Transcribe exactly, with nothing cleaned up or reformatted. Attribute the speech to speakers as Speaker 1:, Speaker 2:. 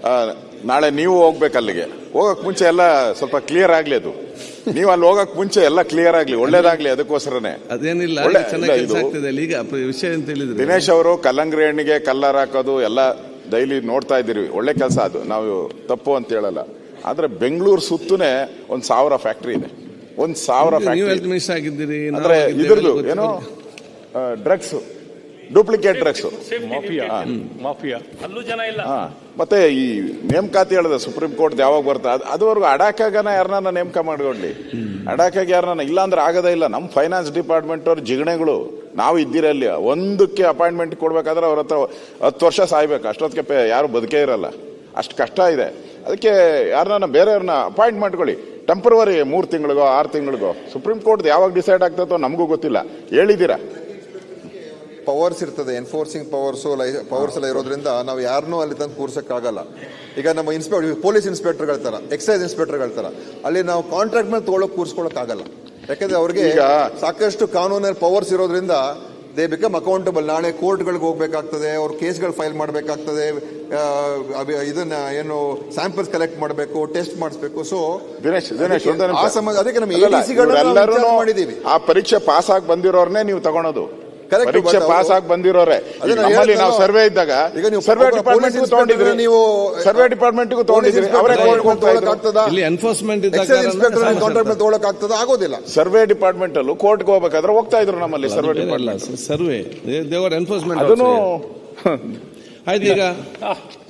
Speaker 1: ನಾಳೆ ನೀವು ಹೋಗ್ಬೇಕು ಅಲ್ಲಿಗೆ. ಹೋಗಕ್ ಮುಂಚೆ ಎಲ್ಲ ಸ್ವಲ್ಪ ಕ್ಲಿಯರ್ ಆಗ್ಲಿ. ಅದು ನೀವು ಅಲ್ಲಿ ಹೋಗಕ್ ಮುಂಚೆ ಎಲ್ಲ ಕ್ಲಿಯರ್ ಆಗ್ಲಿ, ಒಳ್ಳೇದಾಗ್ಲಿ. ಅದಕ್ಕೋಸ್ಕರನೇ
Speaker 2: ಅದೇನಿಲ್ಲ, ಈಗ ವಿಷಯ ಅಂತ ಹೇಳಿದ್ರೆ
Speaker 1: ದಿನೇಶ್ ಅವರು ಕಲ್ಲಂಗಡಿ ಹಣ್ಣಿಗೆ ಕಲ್ಲರ್ ಹಾಕೋದು ಎಲ್ಲ ಡೈಲಿ ನೋಡ್ತಾ ಇದ್ದೀರಿ. ಒಳ್ಳೆ ಕೆಲಸ ಅದು, ನಾವು ತಪ್ಪು ಅಂತ ಹೇಳಲ್ಲ. ಆದ್ರೆ ಬೆಂಗಳೂರು ಸುತ್ತನೇ ಒಂದ್ ಸಾವಿರ ಫ್ಯಾಕ್ಟ್ರಿ ಇದೆ, ಒಂದ್ ಸಾವಿರ ಫ್ಯಾಕ್ಟ್ರಿ.
Speaker 3: ಆಗಿದ್ದೀರಿ
Speaker 1: ಅಂದ್ರೆ ಇದ್ರದ್ದು ಏನೋ ಡ್ರಗ್ಸ್, ಡೂಪ್ಲಿಕೇಟ್ ಡ್ರಗ್ಸ್
Speaker 4: ಮಾಫಿಯಾ, ಅಲ್ಲೂ ಜನ ಇಲ್ಲ.
Speaker 1: ಮತ್ತೆ ಈ ನೇಮಕಾತಿ ಹೇಳಿದ ಸುಪ್ರೀಂ ಕೋರ್ಟ್ ಯಾವಾಗ ಬರ್ತಾ ಅದುವರೆಗೂ ಅಡಾಕಾಗನ ಯಾರನ್ನ ನೇಮಕ ಮಾಡ್ಕೊಳ್ಳಿ. ಅಡಾಕಾಗಿ ಯಾರನ್ನ ಇಲ್ಲ ಅಂದ್ರೆ ಆಗದೇ ಇಲ್ಲ. ನಮ್ಮ ಫೈನಾನ್ಸ್ ಡಿಪಾರ್ಟ್ಮೆಂಟ್ ಅವ್ರ ಜಿಗಣೆಗಳು ನಾವು ಇದ್ದಿರಲ್ಲಿ ಒಂದಕ್ಕೆ ಅಪಾಯಿಂಟ್ಮೆಂಟ್ ಕೊಡ್ಬೇಕಾದ್ರೆ ಅವ್ರ ಹತ್ರ ಹತ್ತು ವರ್ಷ ಸಾಯ್ಬೇಕು. ಅಷ್ಟೊತ್ತಿಗೆ ಯಾರು ಬದುಕೇ ಇರಲ್ಲ, ಅಷ್ಟು ಕಷ್ಟ ಇದೆ. ಅದಕ್ಕೆ ಯಾರನ್ನ ಬೇರೆಯವ್ರನ್ನ ಅಪಾಯಿಂಟ್ ಮಾಡ್ಕೊಳ್ಳಿ, ಟೆಂಪರವರಿ, ಮೂರು ತಿಂಗಳಿಗೋ ಆರು ತಿಂಗಳಿಗೋ. ಸುಪ್ರೀಂ ಕೋರ್ಟ್ ಯಾವಾಗ ಡಿಸೈಡ್ ಆಗ್ತದೋ ನಮಗೂ ಗೊತ್ತಿಲ್ಲ. ಹೇಳಿದ್ದೀರಾ
Speaker 5: ಪವರ್ಸ್ ಇರ್ತದೆ, ಎನ್ಫೋರ್ಸಿಂಗ್ ಪವರ್ಸ್ ಪವರ್ಸ್ ಎಲ್ಲ ಇರೋದ್ರಿಂದ ನಾವು ಯಾರನ್ನೂ ಅಲ್ಲಿ ತಂದು ಕೂರ್ಸಕ್ಕಾಗಲ್ಲ. ಈಗ ನಮ್ಮ ಇನ್ಸ್ಪೆಕ್ಟರ್, ಪೊಲೀಸ್ ಇನ್ಸ್ಪೆಕ್ಟರ್ಗಳ ತರ, ಎಕ್ಸೈಸ್ ಇನ್ಸ್ಪೆಕ್ಟರ್ಗಳ ತರ ಅಲ್ಲಿ ನಾವು ಕಾಂಟ್ರಾಕ್ಟ್ ಮೇಲೆ ತಗೊಳಕ್ ಕೂರ್ಸ್ಕೊಳಕ್ ಆಗಲ್ಲ. ಯಾಕಂದ್ರೆ ಅವ್ರಿಗೆ ಸಾಕಷ್ಟು ಕಾನೂನಲ್ಲಿ ಪವರ್ಸ್ ಇರೋದ್ರಿಂದ ದೇ ಬಿಕಮ್ ಅಕೌಂಟಬಲ್. ನಾಳೆ ಕೋರ್ಟ್ಗಳಿಗೆ ಹೋಗ್ಬೇಕಾಗ್ತದೆ, ಅವ್ರ ಕೇಸ್ಗಳು ಫೈಲ್ ಮಾಡಬೇಕಾಗ್ತದೆ, ಇದನ್ನ ಏನು ಸ್ಯಾಂಪಲ್ಸ್ ಕಲೆಕ್ಟ್ ಮಾಡಬೇಕು, ಟೆಸ್ಟ್ ಮಾಡಿಸ್ಬೇಕು. ಸೊ
Speaker 1: ದಿನೇಶ್ ದಿನೇಶ್
Speaker 5: ಆ ಸಂಬಂಧ ಅದಕ್ಕೆ ನಮ್ಮ ಎಡಿಸಿಗಳು ಮಾಡಿದೀವಿ.
Speaker 1: ಆ ಪರೀಕ್ಷೆ ಪಾಸ್ ಆಗಿ ಬಂದಿರೋರ್ನೇ ನೀವು ತಗೊಳೋದು. ಪರೀಕ್ಷೆ ಪಾಸ್ ಆಗಿ ಬಂದಿರೋರೆ. ನಮ್ಮಲ್ಲಿ ನಾವು ಸರ್ವೆ ಇದ್ದಾಗ ಸರ್ವೆ ಡಿಪಾರ್ಟ್ಮೆಂಟ್ ತಗೊಂಡಿದ್ರಿ, ನೀವು ಸರ್ವೆ ಡಿಪಾರ್ಟ್ಮೆಂಟ್ ತಗೊಂಡಿದ್ರಿ, ಅವರೇ
Speaker 3: ಇಲ್ಲಿ ಎನ್ಫೋರ್ಸ್ಮೆಂಟ್
Speaker 5: ತಗೊಳಕ್ ಆಗ್ತದ ಆಗೋದಿಲ್ಲ.
Speaker 1: ಸರ್ವೆ ಡಿಪಾರ್ಟ್ಮೆಂಟ್ ಅಲ್ಲೂ ಕೋರ್ಟ್ಗೆ ಹೋಗ್ಬೇಕಾದ್ರೆ ಹೋಗ್ತಾ ಇದ್ರು ನಮ್ಮಲ್ಲಿ ಸರ್ವೆ ಡಿಪಾರ್ಟ್ಮೆಂಟ್.
Speaker 3: ಸರ್ವೆ ದೇವರ ಎನ್ಫೋರ್ಸ್ಮೆಂಟ್
Speaker 1: ಅದನ್ನು
Speaker 3: ಆಯ್ತು. ಈಗ